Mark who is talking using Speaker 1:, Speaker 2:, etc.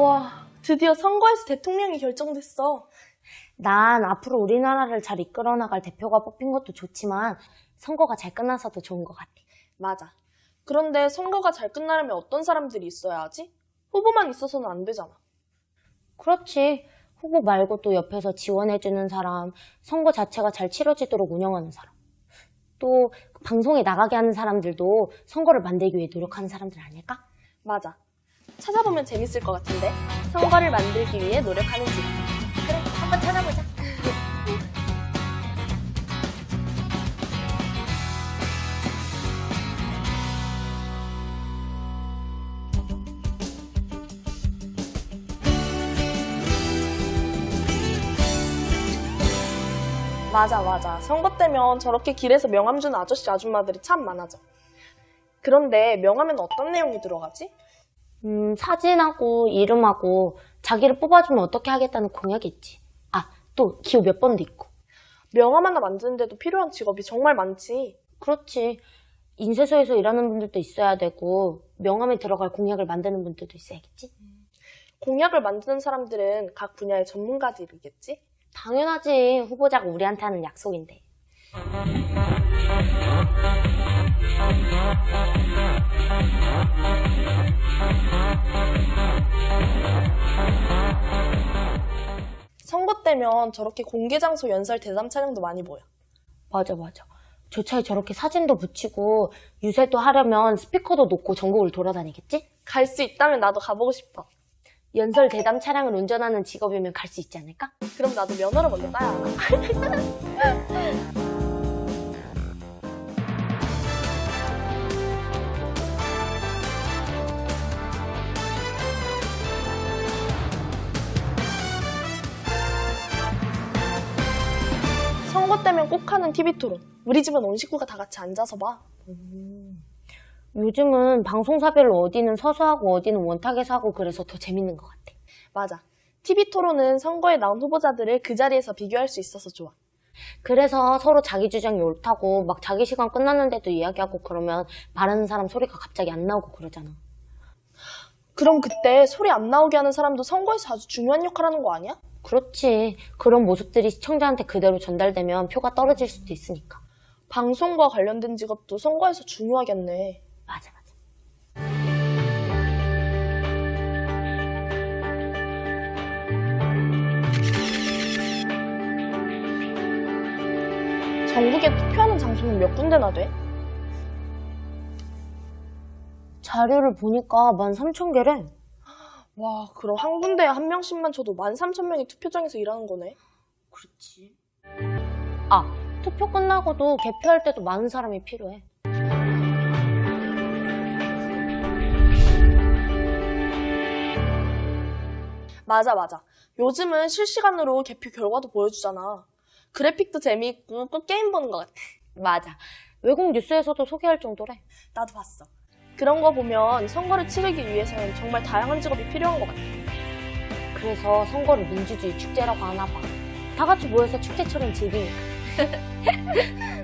Speaker 1: 와, 드디어 선거에서 대통령이 결정됐어.
Speaker 2: 난 앞으로 우리나라를 잘 이끌어 나갈 대표가 뽑힌 것도 좋지만 선거가 잘 끝나서 더 좋은 것 같아.
Speaker 1: 맞아. 그런데 선거가 잘 끝나려면 어떤 사람들이 있어야 하지? 후보만 있어서는 안 되잖아.
Speaker 2: 그렇지. 후보 말고 또 옆에서 지원해주는 사람, 선거 자체가 잘 치러지도록 운영하는 사람. 또 방송에 나가게 하는 사람들도 선거를 만들기 위해 노력하는 사람들 아닐까?
Speaker 1: 맞아. 찾아보면 재밌을 것 같은데? 선거를 만들기 위해 노력하는 집.
Speaker 2: 그래, 한번 찾아보자.
Speaker 1: 맞아. 선거 때면 저렇게 길에서 명함 주는 아저씨 아줌마들이 참 많아져. 그런데 명함에는 어떤 내용이 들어가지?
Speaker 2: 사진하고 이름하고 자기를 뽑아주면 어떻게 하겠다는 공약이 있지. 아, 또 기호 몇 번도 있고.
Speaker 1: 명함 하나 만드는데도 필요한 직업이 정말 많지.
Speaker 2: 그렇지. 인쇄소에서 일하는 분들도 있어야 되고 명함에 들어갈 공약을 만드는 분들도 있어야겠지.
Speaker 1: 공약을 만드는 사람들은 각 분야의 전문가들이겠지?
Speaker 2: 당연하지. 후보자가 우리한테 하는 약속인데.
Speaker 1: 선거 때면 저렇게 공개장소 연설 대담 촬영도 많이 보여.
Speaker 2: 맞아. 조차에 저렇게 사진도 붙이고 유세도 하려면 스피커도 놓고 전국을 돌아다니겠지?
Speaker 1: 갈 수 있다면 나도 가보고 싶어.
Speaker 2: 연설 대담 차량을 운전하는 직업이면 갈 수 있지 않을까?
Speaker 1: 그럼 나도 면허를 먼저 따야 하나? 선거 때면 꼭 하는 TV 토론. 우리 집은 온 식구가 다 같이 앉아서 봐.
Speaker 2: 요즘은 방송사별로 어디는 서서 하고 어디는 원탁에서 하고 그래서 더 재밌는 것 같아.
Speaker 1: 맞아. TV 토론은 선거에 나온 후보자들을 그 자리에서 비교할 수 있어서 좋아.
Speaker 2: 그래서 서로 자기 주장이 옳다고 막 자기 시간 끝났는데도 이야기하고 그러면 말하는 사람 소리가 갑자기 안 나오고 그러잖아.
Speaker 1: 그럼 그때 소리 안 나오게 하는 사람도 선거에서 아주 중요한 역할 하는 거 아니야?
Speaker 2: 그렇지. 그런 모습들이 시청자한테 그대로 전달되면 표가 떨어질 수도 있으니까.
Speaker 1: 방송과 관련된 직업도 선거에서 중요하겠네.
Speaker 2: 맞아.
Speaker 1: 전국에 투표하는 장소는 몇 군데나 돼?
Speaker 2: 자료를 보니까 13,000개래.
Speaker 1: 와, 그럼 한 군데에 한 명씩만 쳐도 13,000명이 투표장에서 일하는 거네.
Speaker 2: 그렇지. 아, 투표 끝나고도 개표할 때도 많은 사람이 필요해.
Speaker 1: 맞아. 요즘은 실시간으로 개표 결과도 보여주잖아. 그래픽도 재미있고 꼭 게임 보는 것 같아.
Speaker 2: 맞아. 외국 뉴스에서도 소개할 정도래.
Speaker 1: 나도 봤어. 그런 거 보면 선거를 치르기 위해서는 정말 다양한 직업이 필요한 것 같아.
Speaker 2: 그래서 선거를 민주주의 축제라고 하나 봐. 다 같이 모여서 축제처럼 즐기니까.